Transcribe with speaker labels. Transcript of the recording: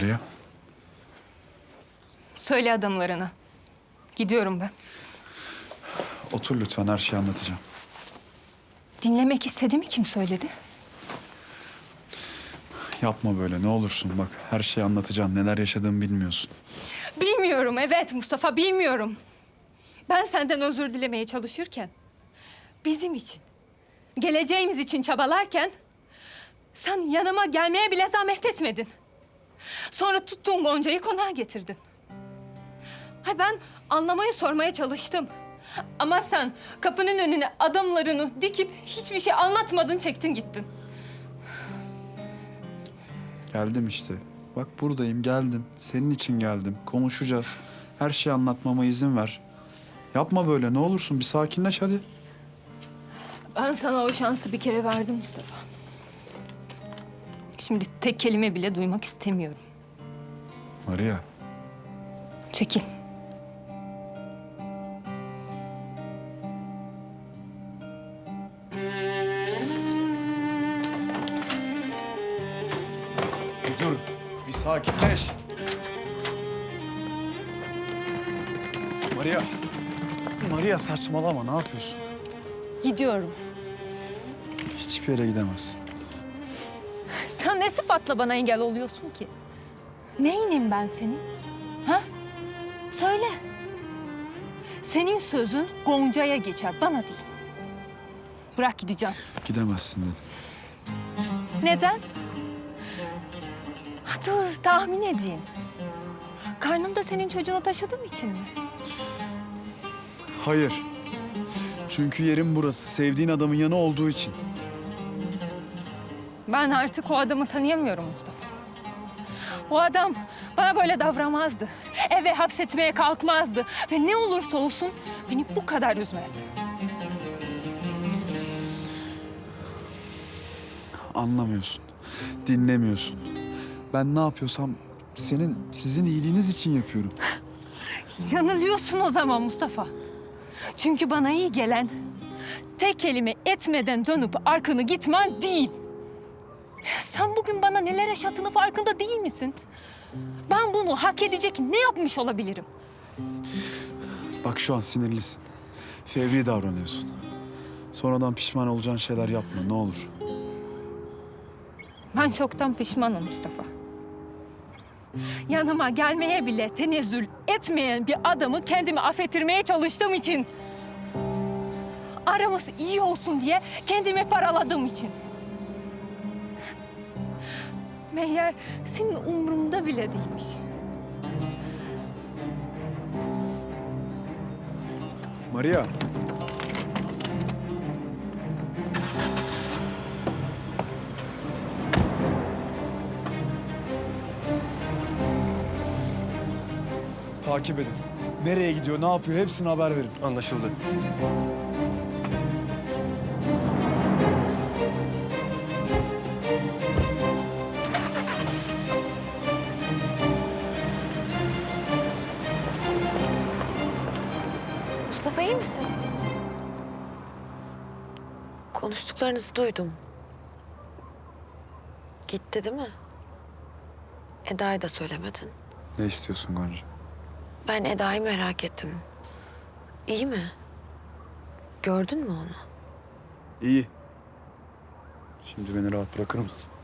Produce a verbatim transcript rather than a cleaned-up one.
Speaker 1: Maria.
Speaker 2: Söyle adamlarına. Gidiyorum ben.
Speaker 1: Otur lütfen, her şeyi anlatacağım.
Speaker 2: Dinlemek istediğimi kim söyledi?
Speaker 1: Yapma böyle, ne olursun bak. Her şeyi anlatacağım. Neler yaşadığımı bilmiyorsun.
Speaker 2: Bilmiyorum, evet Mustafa, bilmiyorum. Ben senden özür dilemeye çalışırken, bizim için, geleceğimiz için çabalarken, sen yanıma gelmeye bile zahmet etmedin. Sonra tuttun Gonca'yı konağa getirdin. Hay ben anlamaya sormaya çalıştım. Ama sen kapının önüne adamlarını dikip hiçbir şey anlatmadın, çektin gittin.
Speaker 1: Geldim işte. Bak buradayım, geldim. Senin için geldim. Konuşacağız. Her şeyi anlatmama izin ver. Yapma böyle, ne olursun. Bir sakinleş hadi.
Speaker 2: Ben sana o şansı bir kere verdim Mustafa. Şimdi tek kelime bile duymak istemiyorum.
Speaker 1: Maria.
Speaker 2: Çekil.
Speaker 1: Dur. Bir sakinleş. Maria. Maria saçmalama, ne yapıyorsun?
Speaker 2: Gidiyorum.
Speaker 1: Hiçbir yere gidemezsin.
Speaker 2: Sen ne sıfatla bana engel oluyorsun ki? Neyinim ben senin? Ha? Söyle. Senin sözün Gonca'ya geçer, bana değil. Bırak gideceğim.
Speaker 1: Gidemezsin dedim.
Speaker 2: Neden? Ha, dur, tahmin edeyim. Karnımda senin çocuğunu taşıdığım için mi?
Speaker 1: Hayır. Çünkü yerim burası. Sevdiğin adamın yanı olduğu için.
Speaker 2: Ben artık o adamı tanıyamıyorum Mustafa. O adam bana böyle davranmazdı. Eve hapsetmeye kalkmazdı. Ve ne olursa olsun beni bu kadar üzmezdi.
Speaker 1: Anlamıyorsun. Dinlemiyorsun. Ben ne yapıyorsam senin, sizin iyiliğiniz için yapıyorum.
Speaker 2: Yanılıyorsun o zaman Mustafa. Çünkü bana iyi gelen tek kelime etmeden dönüp arkanı gitmen değil. Sen bugün bana neler yaşattığını farkında değil misin? Ben bunu hak edecek ne yapmış olabilirim?
Speaker 1: Bak şu an sinirlisin. Fevri davranıyorsun. Sonradan pişman olacağın şeyler yapma, ne olur.
Speaker 2: Ben çoktan pişmanım Mustafa. Yanıma gelmeye bile tenezzül etmeyen bir adamı kendimi affettirmeye çalıştığım için. Aramız iyi olsun diye kendimi paraladığım için. Meğer senin umrunda bile değilmiş.
Speaker 1: Maria. Takip edin. Nereye gidiyor, ne yapıyor hepsini haber verin.
Speaker 3: Anlaşıldı.
Speaker 4: Mustafa iyi misin? Konuştuklarınızı duydum. Gitti değil mi? Eda'ya da söylemedin.
Speaker 1: Ne istiyorsun Gonca?
Speaker 4: Ben Eda'yı merak ettim. İyi mi? Gördün mü onu?
Speaker 1: İyi. Şimdi beni rahat bırakır mısın?